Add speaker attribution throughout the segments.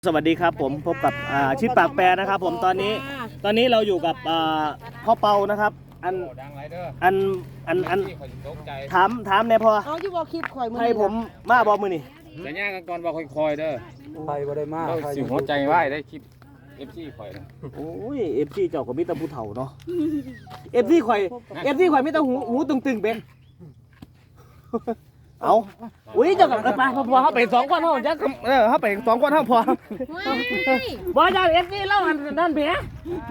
Speaker 1: สวัสดีครับผมพบกับชิดปากแปรนะครับผมตอนนี้เราอยู่กับพ่อเปานะครับอันถามเนี่ยพอ
Speaker 2: เอาอยู่บ่คลิปข่อยมื้อ
Speaker 1: ให้ผมมาบอกมือนี่
Speaker 3: จะย่างกันก่อนว่าคอยๆเด้อ
Speaker 4: ไปบ่ได้มาก
Speaker 3: สิหัวใจไหวได้คลิป FC ข่อยนะ
Speaker 1: โอ้ย FC เจ้าก็มีแต่ผู้เฒ่าเนาะ FC ข่อยมีแต่หูตึงๆเป็นเอาอุ้ยเจ้ากับไปพอเขาไป2 ก้อนเท่าจะเขาไป2 ก้อนเท่าพอบ่จ้า FC เล่านั่นเพีย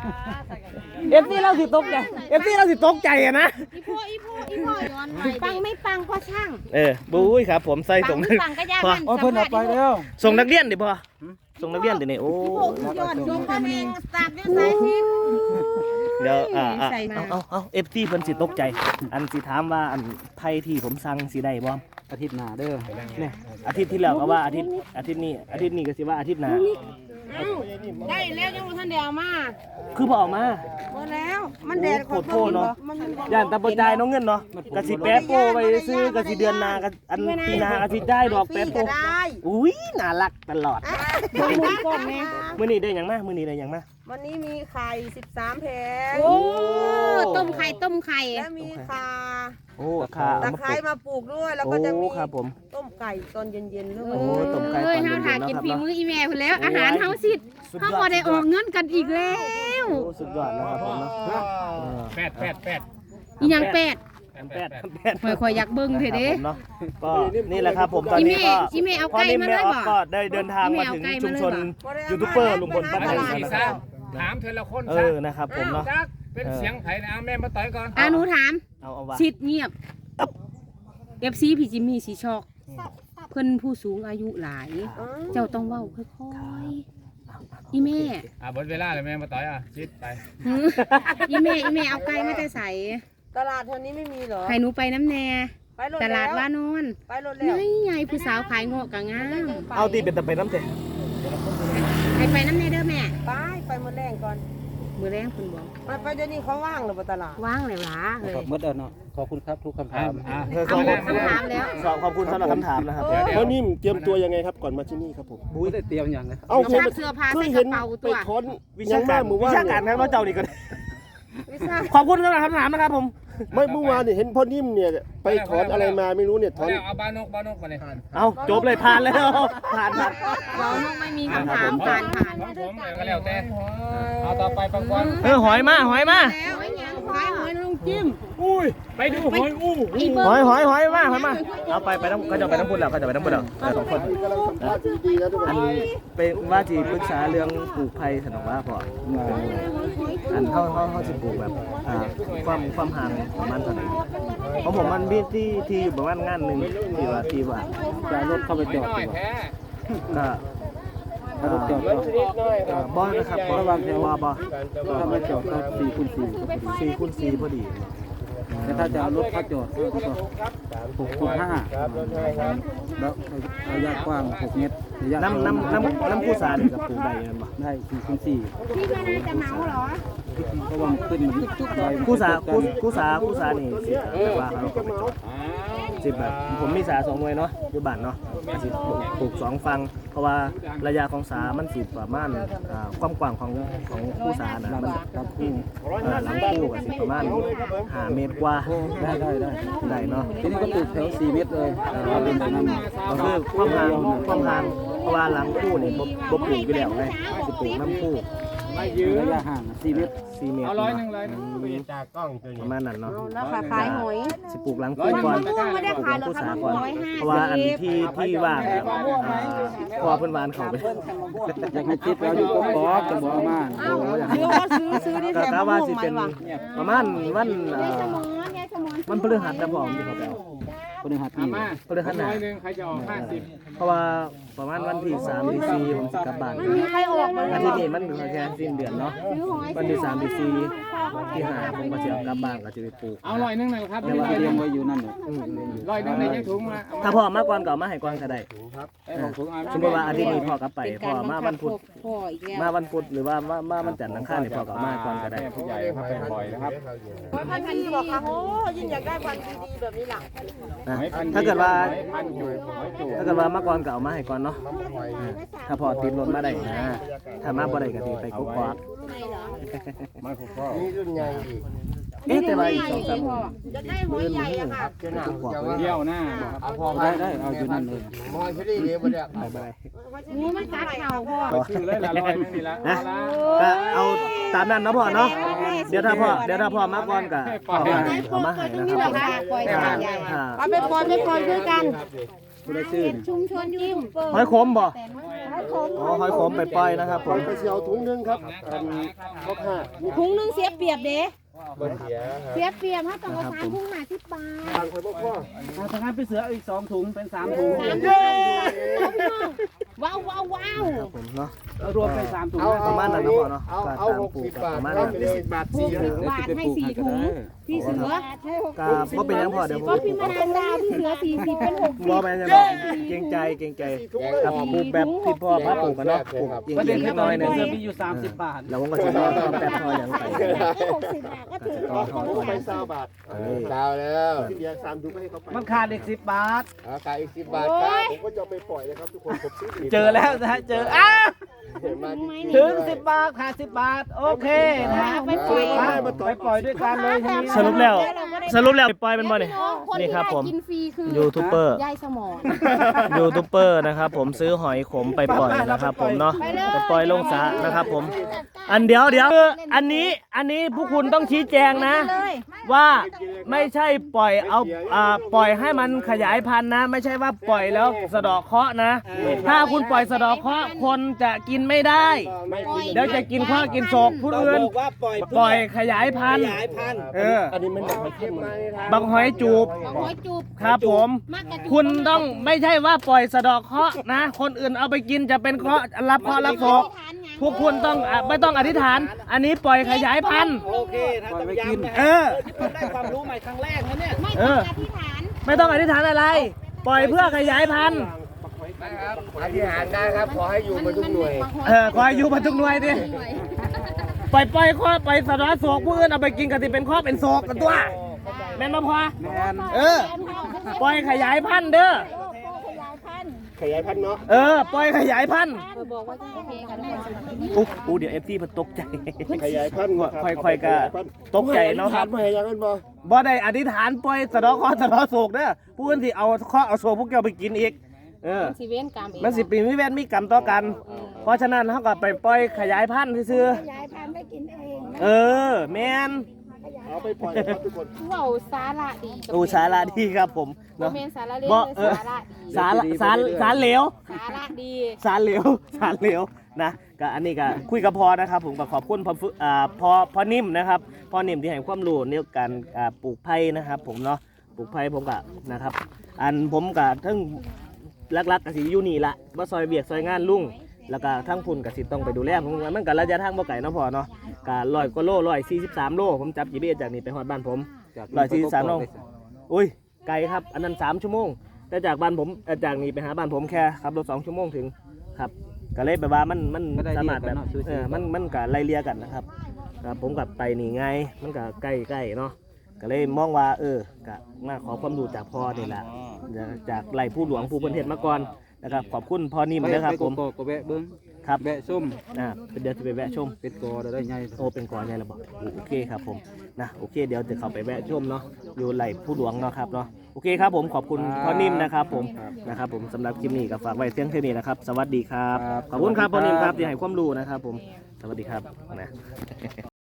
Speaker 1: FC เล่าสิตกใจ FC เล่าสิตกใจอะนะ
Speaker 2: อีพ่อย้อนไปปังไม่ปังพ่อช่าง
Speaker 1: บุ้ยครับผมใส่ส่ง
Speaker 2: ปังก็ยากมัน
Speaker 4: เพิ่นเอาไปแล้ว
Speaker 1: ส่งนักเรียนดิพ่อส่งนักเรียนดิเนี่ยโอ้
Speaker 2: ย้อนส่งไปเองสักเดี๋ยวใส่ทิพ
Speaker 1: เดี๋ยวเอา FT เพิ่นสิตกใจอันสิถามว่าอันไทยที่ผมสั่งสิได้บ่
Speaker 4: อาทิตย์หน้าเด้อ
Speaker 1: เนี่ยอาทิตย์ที่แล้วก็ว่าอาทิตย์นี้ก็สิว่าอาทิตย์หน้า
Speaker 2: ได้แล้วยังบ่ทันได้เอามา
Speaker 1: คือบ่เอามา
Speaker 2: บ่แล้วมันแดด
Speaker 1: โคตรโทษเนาะย่านตาบ่จ่ายน้องเงินเนาะก็สิแปะโปไว้ซื้อก็สิเดือนหน้าก็อันปีหน้าก็สิได้ดอกแปะโปอุ้ยน่ารักตลอดมื้อนี้ได้หยังมา
Speaker 2: วันนี้มีไข่13แผง
Speaker 1: โอ้
Speaker 2: ต้มไข่แล้วมีข่า
Speaker 1: โอ้ข่า
Speaker 2: ตะไคร้มาปลูกด้วยแล้วก็จะมี
Speaker 1: ครับผม
Speaker 2: ต้มไก่ตอนเย็นๆด้วย
Speaker 1: โอ้ต้มไก่ตอนเย็นๆเนาะครับ
Speaker 5: กินฝีมืออีแม่พุ่นแล้วอาหารเฮาสิเฮาบ่ได้ออกเงินกันอีกแล้ว
Speaker 1: โอ้สุดยอดนะครับผมเนาะ
Speaker 3: แปด
Speaker 5: อีหยังแปดค่อยอยากเบิ่งเถอะเด้
Speaker 1: เนาะก็นี่แหละครับผมตอนนี้ก็
Speaker 5: อีแม่เอาไก่มาเลยบ่
Speaker 1: ก็ได้เดินทางมาถึงชุมชนยูทูบเบอร์ลุงพลป้าแตนนะครับ
Speaker 3: ถามเธอละคน
Speaker 1: นะครับผมเนาะ
Speaker 3: เป็นเสียงไผ่นะแม่มาต่อยก่อน
Speaker 5: หนูถาม
Speaker 1: เอาว่า
Speaker 5: ชิดเงียบ FC พี่จิมมี่สิช็อกเพิ่นผู้สูงอายุหลายเจ้าต้องเว้าค่อยๆอีแม่
Speaker 3: หมดเวลาแล้วแม่มาต่อยชิดไป
Speaker 5: อีแม่เอาไก่มาแต่ใส่
Speaker 2: ตลาดแถวนี้ไม่มีเหรอ
Speaker 5: ให้หนูไปน้ำแน่ตลาดว่านอน
Speaker 2: ไปรถแล้ว
Speaker 5: ใหญ่ผู้สาวขายเงาะกะงาม
Speaker 1: เอาตีเป็นตะไปน้ำเถอะ
Speaker 5: ให้ไปน้ำแน่เด้อแม่
Speaker 2: ไปมื้อแรงก่อน
Speaker 5: มื้อแรงเพิ่นบอก
Speaker 2: ไปเดี๋ยวนี้เขาว่างหรือบ่ตลาด
Speaker 5: ว่างแล้วล่ะเฮ้ย
Speaker 4: หมดแล้วเนาะขอบคุณครับทุกคำถาม
Speaker 5: ขอบคุณคำถามแล้ว
Speaker 1: ขอบคุณสำหรับคำถามนะครับ
Speaker 6: เพราะนิ่มเตรียมตัวยังไงครับก่อนมาที่นี่ครับผม
Speaker 4: บุ้ยได้เตรียมอย่างไร
Speaker 6: เอา
Speaker 5: เสื้อผ้าใส่กระเป๋าตัว
Speaker 6: ไปค้นวิชาการครับ
Speaker 1: ว่าเจ้านี่ก็ขอบคุณสำหรับคำถามนะครับผม
Speaker 6: ไม่เมื่อวานเนี่ยเห็นพ่อนิ่มเนี่ยไปถอนอะไรมาไม่รู้เนี่ยถอน
Speaker 3: เอาบ้านนกมาเลย
Speaker 1: เอาจบเลยผ่านแล้วผ่าน
Speaker 5: เราไม่มีคำถามผ่าน
Speaker 3: ผมก็แล้วแต่เอาต่อไปปังกวน
Speaker 1: หอยมา
Speaker 2: หอยลุงจิ้ม
Speaker 3: อุ้ยไปดูหอยอู้
Speaker 1: หอยมาเอาไปน้ำก็จะไปน้ำพุแล้ว2 คนอันเป็นว่าจีปรึกษาเรื่องปลูกไผ่สนองว่าพออันเขาจะปลูกแบบความห่างประมาณเท่าไหร่เพราะผมมันมีที่อยู่ประมาณงานหนึ่งที่ว่า
Speaker 4: จะรถเข้าไปจอด
Speaker 1: ก็บ่นะครับ
Speaker 4: ระวังแถว
Speaker 1: บ่
Speaker 4: เข้าไปจอดก็
Speaker 1: 4x4พอดี
Speaker 4: แต่ถ้าจะเอารถเข้าจอดก็6.5แล้วระยะกว้าง6 เมตร
Speaker 1: น้ำผู้สานี่กับปลูกได้ยังบ่
Speaker 4: ได้4x4
Speaker 5: พี่ไม่น่าจะเมาเหรอ
Speaker 4: เพราะว่ามันขึ้นมัน
Speaker 1: ผู้สานี่แต่ว่าเขาก็ไปจอด10แบบผมมีสา2 หน่วยเนาะอยู่บ้านเนาะสิปลูก2 ฝั่งเพราะว่าระยะของสามันสิประมาณความกว้างของผู้สานะมันหลังคู่ก็สิประมาณ5 เมตรกว่าได้เนาะ
Speaker 4: ทีนี้ก็ปลูกแถว4 เมตรเลยเป็นแบบนั้น
Speaker 1: ก็คือความห่างเพราะว่าหลังคู่นี่บ่ปลูกอยู่แล้วไงสิปลูกน้ำคู่
Speaker 4: ระยะห่าง4 เมตร
Speaker 3: เอา100ไปจากกล้อง
Speaker 1: ประมาณนั้นเนาะ
Speaker 2: แล้วขายหอย
Speaker 1: สิปลูกหลังคู่ก่อนปลูกผู้สาก่อนเพราะว่าอันที่ว่างพอเพิ่นวานเขาไป
Speaker 4: อยากให้ติดแล้วอยู่ก็ขอจะบอกมา
Speaker 2: ซื้อนี่แถม
Speaker 1: ว่าสิเป็นประมาณวันพฤหัสนะพ่อที่เขาไป
Speaker 4: พฤหัสนี่
Speaker 1: พฤหัสหน้า
Speaker 3: ใครจะออก50
Speaker 1: เพราะว่าประมาณวันที่3 ที่ 4ผมสิกลับบ้านอาทิตย์นี้มันแค่สิ้นเดือนเนาะวันที่3 ที่ 4 ที่5ผมก็จะกลับบ้านก็จะไปปลูก
Speaker 3: เอา100หน่อยครับ
Speaker 4: แต่ว่าเตรียมไว้อยู่นั่น
Speaker 3: 100ในยังถุงมา
Speaker 1: ถ้าพ่อมาก่อนก็มาให้ก่อนก็ได้สมมติว่าอาทิตย์นี้พ่อกลับไปพ่อมาวันพุธหรือว่ามาวันจันทร์อังคารนี่พ่อก็มาก่อนก็ได้
Speaker 3: ผู้ใหญ่ครับเป็นบ่อยนะครับ
Speaker 2: พันธุ์บอกค่ะโอ้ยิ่งอยากได้พันธุ์ดีๆแบบนี้ล่ะ
Speaker 1: ถ้าเกิดว่ามาก่อนก่อนก็เอามาให้ก่อนเนาะถ้าพอติดรถมาได้นะถ้ามาบ่ได้ก็สิไปกุ๊กกอก
Speaker 6: นี่รุ่นใหญ่อีก
Speaker 1: แต่ว่าอีก2-3มื้อ
Speaker 2: จะได้หอยใหญ่อะค่ะ
Speaker 6: จะหนักจะ
Speaker 3: เดี่ยวหน้า
Speaker 6: เอาพอ
Speaker 4: ได้เอาอยู่นั่นเลย
Speaker 6: มอยพี่ดีเดี๋ยวมาเนี่ย
Speaker 1: บาย
Speaker 2: หนูมันกัดเข่าพ่อ
Speaker 3: ชื่อเลยละลอยไม่มีละ
Speaker 1: นะก็เอาตามนั้นเนาะพ่อเนาะเดี๋ยวถ้าพ่อมาก่อนก็เอามาให้นะครับ
Speaker 2: ปล่อยใหญ่
Speaker 1: อ่า
Speaker 2: เอาไปปล่อยด้วยกัน
Speaker 4: ผู้ได้ชื่อ
Speaker 2: ชุมชนยิ้ม
Speaker 1: หอยขมบ่อ๋อหอยขมไปปล่อยนะครับผ
Speaker 6: ผม
Speaker 1: ม
Speaker 6: ไปเสียวถุงนึงครับข้อห้านี่
Speaker 2: ถุงนึงเสียเปรียบเด้
Speaker 6: บ่เสีย
Speaker 2: เสียเปรียบถ้าต้องเอา3ถุง50 บาท
Speaker 6: ทางคนพ่อ
Speaker 4: ถ้างั้นไปเสืออีก2ถุงเป็น3ถุง
Speaker 2: ว้าว
Speaker 1: ครับผมเนาะ
Speaker 4: รวมเป็น3ถุง
Speaker 1: ประมาณนั้นนะพ่อเนาะ
Speaker 6: เอา
Speaker 1: ก็ตามปลูก
Speaker 6: 60
Speaker 1: กับบ
Speaker 6: าท
Speaker 1: ประมาณ
Speaker 6: ครั
Speaker 1: นั้
Speaker 6: บ
Speaker 1: น
Speaker 6: 10 บาท4
Speaker 2: บาทให้4ถุงพี่เสือ
Speaker 1: ก็บ่เป็นหยังพ่อเดี๋ยวผม
Speaker 2: ก็พี่มานางดาวพี่เสือ40เป็น60
Speaker 1: บ่เป็นหยังบ่เกรงใจครับปลูกแบบที่พ่อพาปลูกกันเนาะปลูกจริง
Speaker 4: ประเด็น
Speaker 1: ๆ
Speaker 4: คือต
Speaker 1: น้
Speaker 4: อ
Speaker 1: อน ยหนึ
Speaker 4: นี้
Speaker 1: ง
Speaker 4: เสือมีอยู่30 บาท
Speaker 1: แล้วผมก็สิรอทำแบบพ่อหยังไป
Speaker 2: 60 บาทก็ถือ
Speaker 1: ต่อทอ
Speaker 6: ผมไป20 บาทดาวแล้วที่เดียว3ถุงให้เขาไป
Speaker 4: มันขาดอีก10 บาท
Speaker 6: ขายอีก10 บาทครับผมก็จะไปปล่อยนะครับทุกคนผมซื้อ
Speaker 4: เจอแล้วนะฮะเจอ
Speaker 6: มาจริง
Speaker 4: ถึง10 บาทขาด10 บาทโอเคนะฮะ
Speaker 2: ไปปล่อย
Speaker 4: ไปปล่อยด้วยกันเลยทีนี้
Speaker 1: สรุปแล้วปล่อยเป็นบ่นี่นี่ครับผม
Speaker 2: กินฟรีคือ
Speaker 1: ยูทูบเบอร์
Speaker 2: ยายสมอน
Speaker 1: ยูทูบเบอร์นะครับผมซื้อหอยขมไปปล่อยนะครับผมเนาะไปปล่อยลงสระนะครับผมอันเดี๋ยวอันนี้พวกคุณต้องชี้แจงนะ ว่าไม่ใช่ปล่อยเอาปล่อยให้มันขยายพันธุ์นะ ไม่ใช่ว่าปล่อยแล้วสะเดาะเคราะห์นะ ถ้าคุณปล่อยสะเดาะเคราะห์คนจะกินไม่ได้เดี๋ยวจะกินข้าวกินโศกผู้อื่นปล่อยขยายพันธุ์
Speaker 6: อันนี้มันแบบเข้มมา
Speaker 1: บางหอยจูบ
Speaker 2: หอยจูบ
Speaker 1: ครับผม คุณต้องไม่ใช่ว่าปล่อยสะเดอกเคราะห์นะ คนอื่นเอาไปกินจะเป็นเคราะห์รับเคราะห์รับโศกพวกคุณต้องไม่ต้องอธิษฐาน อันนี้ปล่อยขยายพันธุ์
Speaker 4: โอเคนะจะไปกิน ได้ความรู้ใหม่ครั้งแรกนะเนี่ย
Speaker 2: ไม่ต้องอธิษฐาน
Speaker 1: ไม่ต้องอธิษฐานอะไร ปล่อยเพื่อขยายพันธุ์
Speaker 6: อธิษฐานได้ครับขอให้อยู่มาทุกหน่วย
Speaker 1: ขอให้อยู่มาทุกหน่วยดิปล่อยข้อปล่อยสะเดอกโศกผู้อื่นเอาไปกินกันที่เป็นข้อเป็นโศกกันตัวแม่นมาพอปล่อยขยายพันธุ์เด้อ
Speaker 6: ขยายพันธุ์เนาะ
Speaker 1: ปล่อยขยายพันธุ์
Speaker 2: บอกว่าจะโอเคกัน
Speaker 1: อุ๊เดี๋ยวFTเพิ่นตกใจ
Speaker 6: ขยายพันธุ์
Speaker 1: ค่อยๆก็ตกใจเนาะครับ
Speaker 6: ไม่ให้ยังนั้นบ่
Speaker 1: บ่ได้อธิษฐานปล่อยสะเดอกเคราะห์สะเดอกโศกเด้อผู้อื่นที่เอาเคราะห์เอาโศกพวกเจ้าไปกินอีก
Speaker 2: สิเว้นกรรมเอง
Speaker 1: มันสิปีมีเวรมีกรรมต่อกัน เพราะฉะนั้นเขาก็ไปปล่อยขยายพันธุ์ซื่อ
Speaker 2: ขยายพันธุ์ไปกินเอง
Speaker 1: แม่น
Speaker 6: เอาไปปล่อยครับทุกคน
Speaker 2: เว้าสาระดี
Speaker 1: สาระดีครับผม
Speaker 2: บ่
Speaker 1: เนาะ
Speaker 2: แม่นสาระเล่น
Speaker 1: บ่
Speaker 2: เลยสาระดี
Speaker 1: สารเหลว
Speaker 2: สาระดี
Speaker 1: สารเหลวนะก็อันนี้ก็คุยกับพอนะครับผมก็ขอบคุณพอนิ่มนะครับพอนิ่มที่ให้ความรู้ในการปลูกไผ่นะครับผมเนาะปลูกไผ่ผมก็นะครับอันผมก็ทั้งลักๆก็สิอยู่นี่ละบ่ซอยเวียกซอยงานลุงแล้วก็ทั้งพุ่นก็สิต้องไปดูแลผมว่ามันก็ระยะทางบ่ไกลเนาะพอเนาะก็100กว่าโล143โลผมจับ GPS จากนี่ไปฮอดบ้านผม143โลอุ้ยไกลครับอันนั้น3ชั่วโมงแต่จากบ้านผมจากนี่ไปหาบ้านผมแค่ขับรถ2ชั่วโมงถึงครับก็เลยแบบว่ามันสามารถแบบมันก็ไล่เลี่ยกันนะครับผมกับไปนี่ไงมันก็ใกล้ๆเนาะก็เลยมองว่าก็มาขอความรู้จากพ่อนี่แหละจากไหลผู้หลวงผู้เพิ่นเฮ็ดมาก่อนนะครับขอบคุณพ่อนิ่มนะครับผม
Speaker 4: ก็แวะเบิ้ง
Speaker 1: ครับ
Speaker 4: แวะส้ม
Speaker 1: เดี๋ยวจะไปแวะชม
Speaker 4: เป็นกอได้ไง
Speaker 1: โอ้เป็นกอใหญ่ระบอกโอเคครับผมนะโอเคเดี๋ยวจะเข้าไปแวะชมเนาะอยู่ไหลผู้หลวงเนาะครับเนาะโอเคครับผมขอบคุณพ่อนิ่มนะครับผมนะครับผมสำหรับคลิปนี้ก็ฝากไว้เพียงเท่านี้นะครับสวัสดีครับขอบคุณครับพ่อนิ่มครับที่ให้ความรู้นะครับผมสวัสดีครับนะ